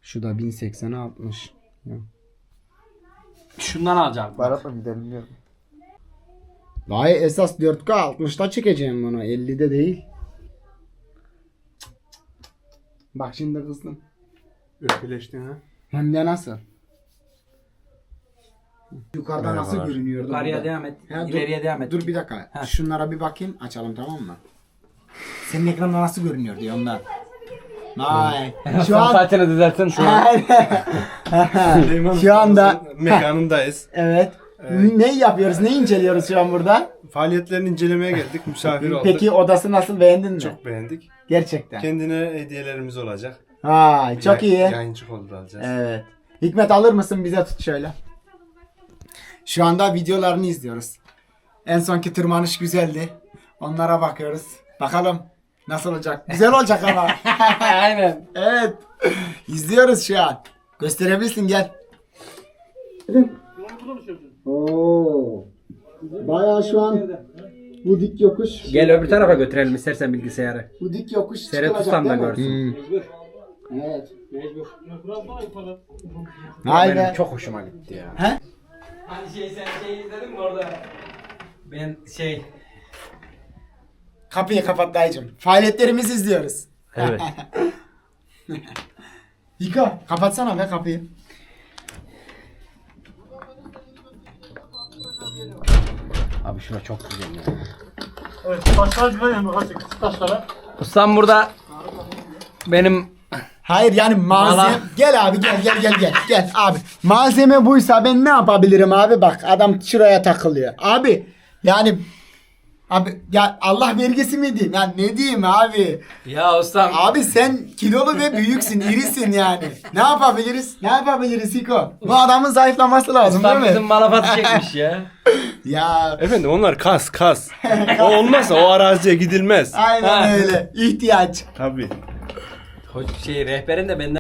Şu da 1080'e 60. Ya. Şundan alacağım. Baratla gidelim diyorum. Vay esas 4K 60'ta çekeceğim bunu. 50'de değil. Bak şimdi kızdım. Öpüleştin ha. Hem de nasıl? Yukarıda nasıl Merhabalar. görünüyordu? Yukarıya burada? devam et. Ha, dur, İleriye devam et. Dur bir dakika. Şunlara bir bakayım. Açalım tamam mı? Senin ekranda nasıl görünüyor diye ondan. Vay. Şu an saçını düzeltin. Şu anda mekanındayız. evet. Ne yapıyoruz? Ne inceliyoruz şu an burada? Faaliyetlerini incelemeye geldik. Misafir olduk. Peki odası nasıl, beğendin mi? Çok beğendik. Gerçekten. Kendine hediyelerimiz olacak. Vay çok iyi. Yayıncı kolda alacağız. Evet. Hikmet alır mısın, bize tut şöyle. Şu anda videolarını izliyoruz. En sonki tırmanış güzeldi. Onlara bakıyoruz. Bakalım nasıl olacak. Güzel olacak ama. Aynen. Evet. İzliyoruz şu an. Gösterebilirsin, gel. Oo. Bayağı şu an bu dik yokuş. Gel öbür tarafa götürelim istersen bilgisayarı. Bu dik yokuş Seyretutsam da değil mi? görsün. Evet. Benim Aynen. çok hoşuma gitti ya. He? Hani sen izledin mi orada? Ben Kapıyı kapat dayıcım. Faaliyetlerimizi izliyoruz. Evet. Yıka. Kapatsana be kapıyı. Abi şura çok güzel ya. Evet, taşlar güzel yani küçük taşlara. Ustam burada benim Hayır yani malzeme. Valla. Gel abi gel abi. Malzeme buysa ben ne yapabilirim abi, bak adam şuraya takılıyor. Abi yani abi ya Allah vergisi mi diyeyim? Ya ne diyeyim abi? ya ustam Abi sen kilolu ve büyüksün, irisin yani. Ne yapabiliriz? Ne yapabiliriz Hiko? Bu adamın zayıflaması lazım ustam değil bizim mi? malafatı çekmiş ya. Ya Efendim onlar kas. O olmazsa o araziye gidilmez. aynen Ha. öyle. İhtiyaç. Tabii. Rehberin de benden